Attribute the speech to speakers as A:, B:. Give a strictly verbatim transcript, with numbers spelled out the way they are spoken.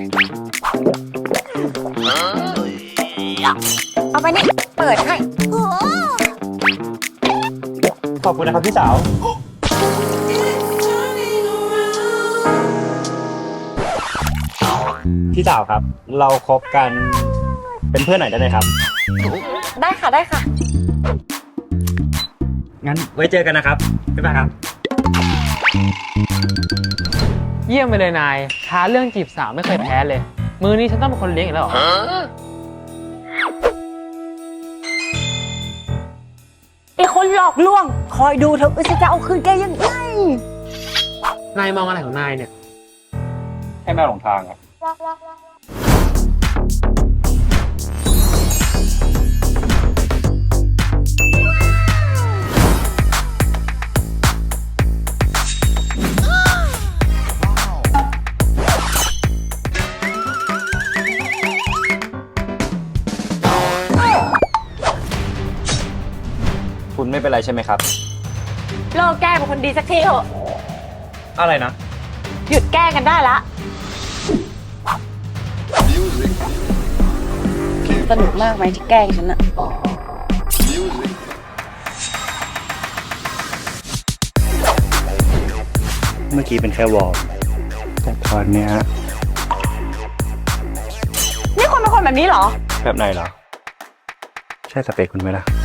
A: เอาไปนี่เปิดให้
B: ขอบคุณนะครับพี่สาวพี่สาวครับเราคบกันเป็นเพื่อนหน่อยได้ไหมครับ
A: ได้ค่ะได้ค่ะ
B: งั้นไว้เจอกันนะครับบ๊ายบายครับ
C: เยี่ยมไปเลยนายท้าเรื่องจีบสาวไม่เคยแพ้เลยมือนี้ฉันต้องเป็นคนเลี้ยงอีกแล้วเหรอ
A: ไอ้คนหลอกลวงคอยดูเถอะฉันจะเอาคืนแกยังไง
C: นายมองอะไรของนายเนี่ย
B: แค่แม่หลงทางครับคุณไม่เป็นไรใช่ไหมครับ
A: เลิกแกล้งเป็นคนดีสักทีเถอะ
B: อะไรนะ
A: หยุดแกล้งกันได้ละสนุกมากไหมที่แกล้งฉันอะ
B: เมื่อกี้เป็นแค่วอร์มแต่ตอนเนี้ย
A: นี่คนเป็นคนแบบนี้เหรอ
B: แบบไหนเหรอใช่สเปคคุณไหมล่ะ